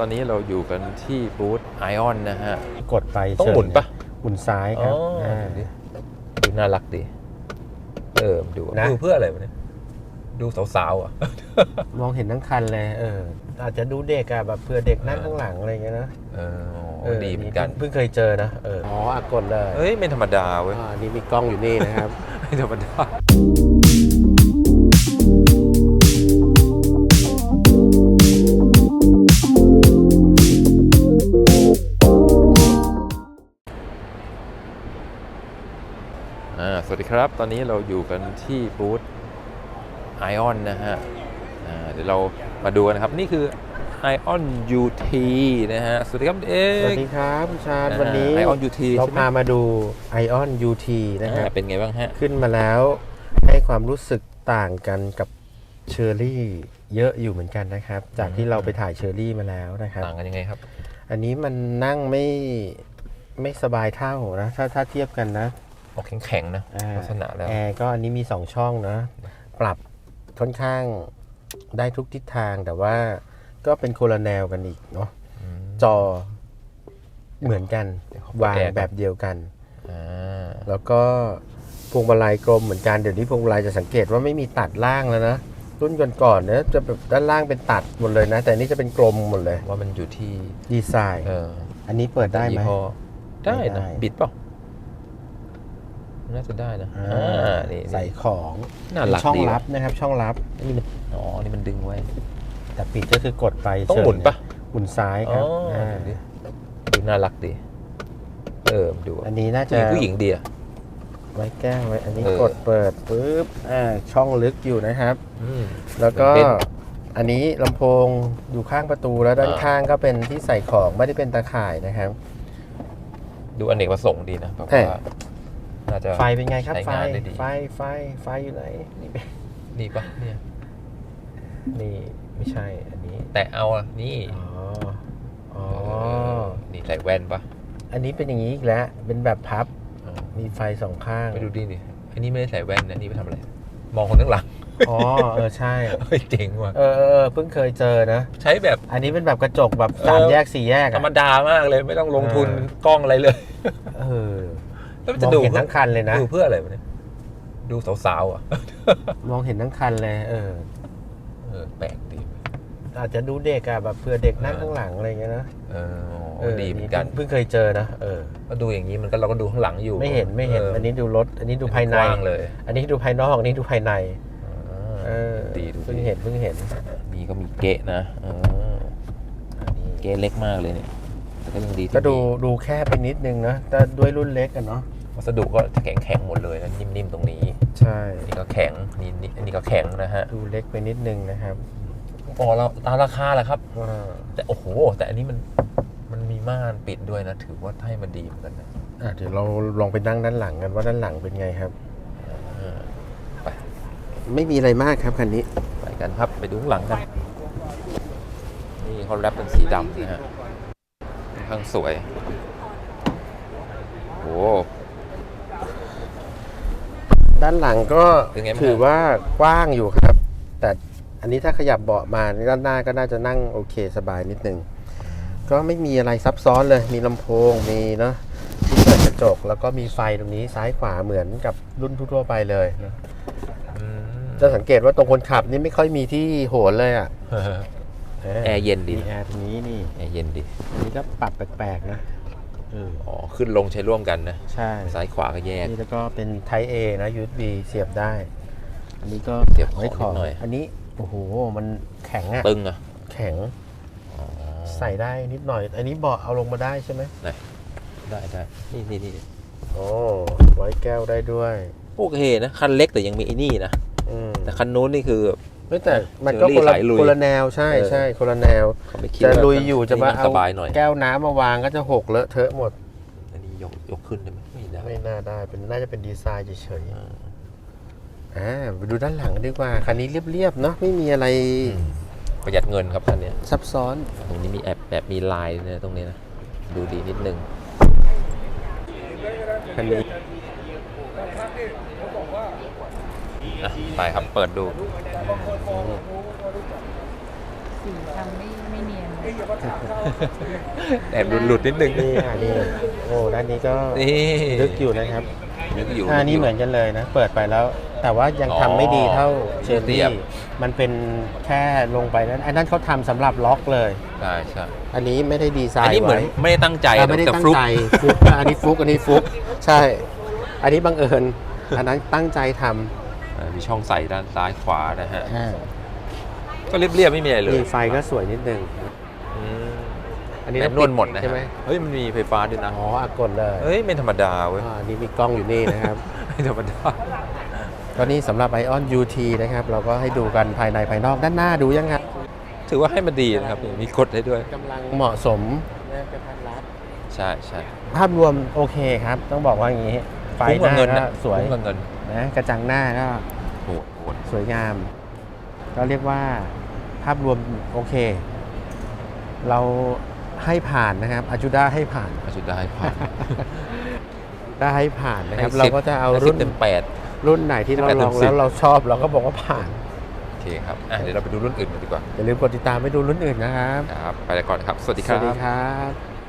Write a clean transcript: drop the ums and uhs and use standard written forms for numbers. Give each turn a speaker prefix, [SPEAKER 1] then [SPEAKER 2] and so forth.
[SPEAKER 1] ตอนนี้เราอยู่กันที่บูธไอออนนะฮะ
[SPEAKER 2] กดไป
[SPEAKER 1] ต้องหมุนปะ
[SPEAKER 2] หมุนซ้ายครับ
[SPEAKER 1] ดูน่ารักดีดูนะดูเพื่ออะไรวะเนี่ยดูสาวๆอ่ะ
[SPEAKER 2] มองเห็นทั้งคันเลยอาจจะดูเด็กอะแบบเผื่อเด็กนั่งข้างหลังอะไรเงี้ยนะ
[SPEAKER 1] ดีเหมือนกัน
[SPEAKER 2] เพิ่งเคยเจอนะกดเลย
[SPEAKER 1] เฮ้ยไม่ธรรมดาเว้ย
[SPEAKER 2] นี่มีกล้องอยู่นี่นะครับ
[SPEAKER 1] ไม่ธรรมดาสวัสดีครับตอนนี้เราอยู่กันที่บูธไอออนนะฮะเดี๋ยวเรามาดูกันนะครับนี่คือ Ion UT นะฮะสวัสดีครับเอก
[SPEAKER 2] สวัสดีครับคุณชาญวันนี้
[SPEAKER 1] Ion UT
[SPEAKER 2] เราพามาดู Ion UT นะฮะ
[SPEAKER 1] เป็นไงบ้างฮะ
[SPEAKER 2] ขึ้นมาแล้วให้ความรู้สึกต่างกันกับเชอร์รี่เยอะอยู่เหมือนกันนะครับจากที่เราไปถ่ายเชอร์รี่มาแล้วนะครับ
[SPEAKER 1] ต่างกันยังไงครับ
[SPEAKER 2] อันนี้มันนั่งไม่สบายเท่านะถ้าเทียบกันนะ
[SPEAKER 1] ออกแข็งๆนะลักษณะแล้ว
[SPEAKER 2] แอร์ก็อันนี้มี2ช่องนะปรับค่อนข้างได้ทุกทิศทางแต่ว่าก็เป็นคนละแนวกันอีกเนาะจอเหมือนกันวางแบบเดียวกันแล้วก็พวงมาลัยกลมเหมือนกันเดี๋ยวนี้พวงมาลัยจะสังเกตว่าไม่มีตัดล่างแล้วนะรุ่นก่อนๆเนี่ยจะแบบด้านล่างเป็นตัดหมดเลยนะแต่นี่จะเป็นกลมหมดเลย
[SPEAKER 1] ว่ามันอยู่ที่
[SPEAKER 2] ดีไซน์อันนี้เปิดได้ไหม
[SPEAKER 1] ได้นะบิดเปล่าน่าจะได้นะ
[SPEAKER 2] นี่ใส่ของช่องลับนะครับช่องลับ
[SPEAKER 1] นี่มันนี่มันดึงไว้
[SPEAKER 2] แต่ปิดก็คือกดไป
[SPEAKER 1] ต้องหมุนปะ
[SPEAKER 2] หมุนซ้ายครับ
[SPEAKER 1] ดูน่ารักดีดู
[SPEAKER 2] อันนี้น่าจะ
[SPEAKER 1] ผู้หญิงดีอะ
[SPEAKER 2] ไว้แก้วไว้อันนี้กดเปิดปุ๊บช่องลึกอยู่นะครับแล้วก็อันนี้ลำโพงอยู่ข้างประตูแล้วด้านข้างก็เป็นที่ใส่ของไม่ได้เป็นตาข่ายนะครับ
[SPEAKER 1] ดูอเนกประสงค์ดีนะเพราะว่า
[SPEAKER 2] ไฟเป็นไงครับไฟอยู่ไหน
[SPEAKER 1] นี่ปะเนี่ย
[SPEAKER 2] นี่ไม่ใช่อันนี้
[SPEAKER 1] แต่เอานี่นี่ใส่แว่นปะ
[SPEAKER 2] อันนี้เป็นอย่างนี้อีกแล้วเป็นแบบพับมีไฟสองข้าง
[SPEAKER 1] ไปดูดินี่อันนี้ไม่ได้ใส่แว่นนะนี่ไปทำอะไรมองคนข้างหลัง
[SPEAKER 2] ใช่
[SPEAKER 1] เจ๋งว่ะ
[SPEAKER 2] เพิ่งเคยเจอนะ
[SPEAKER 1] ใช้แบบ
[SPEAKER 2] อันนี้เป็นแบบกระจกแบบ3แยก4แยก
[SPEAKER 1] ธรรมดามากเลยไม่ต้องลงทุนกล้องอะไรเลย
[SPEAKER 2] แล้วจะดูเห็นทั้งคันเลยนะ
[SPEAKER 1] ดูเพื่ออะไรวะเนี่ยดูสาวๆอ่ะ
[SPEAKER 2] มองเห็นทั้งคันเลย
[SPEAKER 1] แปลกดี
[SPEAKER 2] อาจจะดูเด็กอะแบบเผื่อเด็กนั่งข้างหลังอะไรเงี้ยนะ
[SPEAKER 1] ดีเหมือนกัน
[SPEAKER 2] เพิ่งเคยเจอนะ
[SPEAKER 1] ก็ดูอย่างนี้มันก็เราก็ดูข้างหลังอยู่
[SPEAKER 2] ไม่เห็นอันนี้ดูรถอันนี้ดูภายใน
[SPEAKER 1] เลย
[SPEAKER 2] อันนี้ดูภายนอกอันนี้ดูภายใน
[SPEAKER 1] ดีดู
[SPEAKER 2] เพิ่งเห็น
[SPEAKER 1] นี่ก็มีเกะนะเกะเล็กมากเลยเนี่ยแต่ก็ยังดี
[SPEAKER 2] ก็ดูแค่ไปนิดนึงนะแต่ด้วยรุ่นเล็กกันเนาะ
[SPEAKER 1] วัสดุก็แข็งหมดเลยนะนิ่มๆตรงนี้
[SPEAKER 2] ใช่
[SPEAKER 1] นี่ก็แข็งนี่อันนี้ก็แข็งนะฮะ
[SPEAKER 2] ดูเล็กไปนิดนึงนะครับ
[SPEAKER 1] เราตามราคาแหละครับแต่โอ้โหแต่อันนี้มันมีม่านปิดด้วยนะถือว่าให้มันดีเหมือนกันนะ
[SPEAKER 2] เดี๋ยวเราลองไปนั่งด้านหลังกันว่าด้านหลังเป็นไงครับ
[SPEAKER 1] ไป
[SPEAKER 2] ไม่มีอะไรมากครับคันนี้
[SPEAKER 1] ไปกันครับไปดูข้างหลังกันนี่เขาแรปเป็นสีดำนะฮะข้างสวยโอ้
[SPEAKER 2] ด้านหลังก็ถือว่ากว้างอยู่ครับแต่อันนี้ถ้าขยับเบาะมาด้านหน้าก็น่าจะนั่งโอเคสบายนิดนึงก็ไม่มีอะไรซับซ้อนเลยมีลำโพงมีเนาะที่เปิดกระจกแล้วก็มีไฟตรงนี้ซ้ายขวาเหมือนกับรุ่นทั่วไปเลยนะจะสังเกตว่าตรงคนขับนี่ไม่ค่อยมีที่โหนเลยอ่ะ
[SPEAKER 1] แอร์เย็นดี
[SPEAKER 2] แอร์ตรงนี้นี่
[SPEAKER 1] แอร์เย็นดี
[SPEAKER 2] อันนี้ก็ปรับแปลกๆนะ
[SPEAKER 1] ขึ้นลงใช้ร่วมกันนะ
[SPEAKER 2] ใช่
[SPEAKER 1] ซ้ายขวาก็แยก
[SPEAKER 2] นี่แล้วก็เป็น Type A นะ USB เสียบได้อันนี้ก็
[SPEAKER 1] เสียบ
[SPEAKER 2] ไว้ของ
[SPEAKER 1] หน่อย
[SPEAKER 2] อันนี้โอ้โหมันแข็งอ่ะ
[SPEAKER 1] ตึงอ่ะ
[SPEAKER 2] แข็งใส่ได้นิดหน่อยอันนี้เบาะเอาลงมาได้ใช่ไหม
[SPEAKER 1] ได้นี่
[SPEAKER 2] ไว้แก้วได้ด้วย
[SPEAKER 1] โอเคนะคันเล็กแต่ยังมีไอ้นี่นะแต่คันนู้นนี่คือ
[SPEAKER 2] แต่มันก็คนละแนวใช่คนละแนวจะลุยอยู่จะมาเอาแก้วน้ำมาวางก็จะหกเลอะเทอะหมด
[SPEAKER 1] อันนี้ยกขึ้นได้ไหม
[SPEAKER 2] ไม่น่าได้น่าจะเป็นดีไซน์เฉยไปดูด้านหลังดีกว่าคันนี้เรียบๆเนาะไม่มีอะไร
[SPEAKER 1] ประหยัดเงินครับคันนี้
[SPEAKER 2] ซับซ้อน
[SPEAKER 1] ตรงนี้มีแบบมีลายเนี่ยตรงนี้นะดูดีนิดนึง
[SPEAKER 2] คันนี้
[SPEAKER 1] ไปครับเปิดดู
[SPEAKER 3] สีทำไม่เนียน
[SPEAKER 1] แอบหลุดนิดนึง
[SPEAKER 2] นี่นี่โอ้ด้านนี้ก็
[SPEAKER 1] นี่
[SPEAKER 2] ลึกอยู่นะครับ
[SPEAKER 1] นึกอยู่
[SPEAKER 2] นี่เหมือนกันเลยนะ เปิดไปแล้ว แต่ว่ายังทำไม่ดีเท่าเชอร์
[SPEAKER 1] เรี
[SPEAKER 2] รี่
[SPEAKER 1] ยบ
[SPEAKER 2] มันเป็นแค่ลงไปนั้นอันนั้นเขาทำสำหรับล็อกเลย
[SPEAKER 1] ใช่ใช่
[SPEAKER 2] อันนี้ไม่ได้ดีไซ
[SPEAKER 1] อัน
[SPEAKER 2] น์
[SPEAKER 1] นี้เหมือน
[SPEAKER 2] ไว้
[SPEAKER 1] ไม่ได้ตั้งใจ
[SPEAKER 2] ไม่ได้
[SPEAKER 1] แต่
[SPEAKER 2] ตั้ง
[SPEAKER 1] ฟลุก
[SPEAKER 2] ใจฟลุกอันนี้ฟลุกอันนี้ฟลุกใช่ อันนี้บังเอิญอันนั้นตั้งใจท
[SPEAKER 1] มีช่องใส่ด้านซ้ายขวานะฮะ
[SPEAKER 2] ำ
[SPEAKER 1] ก็เรียบๆไม่มีอะไรเลย
[SPEAKER 2] นี่ไฟก็สวยนิดนึง
[SPEAKER 1] อืม
[SPEAKER 2] อันนี้
[SPEAKER 1] แม
[SPEAKER 2] ต้อน ง
[SPEAKER 1] นวลหมดนะ
[SPEAKER 2] ใช่ไหม
[SPEAKER 1] เฮ้ยมันมีไฟฟ้าด้วยนะ
[SPEAKER 2] อ๋ออากดเลย
[SPEAKER 1] เฮ้ยไม่ธรรมดาเว้ย
[SPEAKER 2] อันนี้มีกล้องอยู่นี่นะครับ
[SPEAKER 1] ไม่ธรรมดา
[SPEAKER 2] ก็นี่สำหรับ Ion UT นะครับ เราก็ให้ดูกันภายในภายนอกด้านหน้าดูยังไง
[SPEAKER 1] ถือว่าให้มันดีนะครับมีกดให้ด้วย
[SPEAKER 2] กำลังเหมาะสมกระทัดรัด
[SPEAKER 1] ใช่ใช่
[SPEAKER 2] ภาพรวมโอเคครับ ต้องบอกว่าอย่างนี้ ไฟ
[SPEAKER 1] คุ้ม
[SPEAKER 2] ห
[SPEAKER 1] กับ
[SPEAKER 2] น้า
[SPEAKER 1] เงิน
[SPEAKER 2] ก็
[SPEAKER 1] นะ
[SPEAKER 2] สวย
[SPEAKER 1] คุ้มกับเงิน
[SPEAKER 2] นะกระจังหน้าก็
[SPEAKER 1] โหดโหด
[SPEAKER 2] สวยงาม ก็เรียกว่าภาพรวมโอเค เราให้ผ่านนะครับอาจูด้าให้ผ่าน
[SPEAKER 1] อาจุดได้ผ่าน
[SPEAKER 2] ได้ให้ผ่านนะครับ
[SPEAKER 1] ให้
[SPEAKER 2] เรา
[SPEAKER 1] 10
[SPEAKER 2] ก็จะเอา
[SPEAKER 1] ให้
[SPEAKER 2] รุ่น
[SPEAKER 1] 10เต็มแปด
[SPEAKER 2] รุ่นไหนที่เรา
[SPEAKER 1] ให้8
[SPEAKER 2] ลอง
[SPEAKER 1] เต็ม10
[SPEAKER 2] แล้วเราชอบเราก็บอกว่าผ่าน
[SPEAKER 1] โอเคครับเดี๋ยวเราไปดูรุ่นอื่นกันดีกว่า
[SPEAKER 2] อย่าลืมกดติดตามไปดูรุ่นอื่นนะครับ
[SPEAKER 1] ครับ ไปแล้วก่อนครับ สวัสดี
[SPEAKER 2] ส
[SPEAKER 1] ครั
[SPEAKER 2] วัสดี
[SPEAKER 1] บ
[SPEAKER 2] ครับ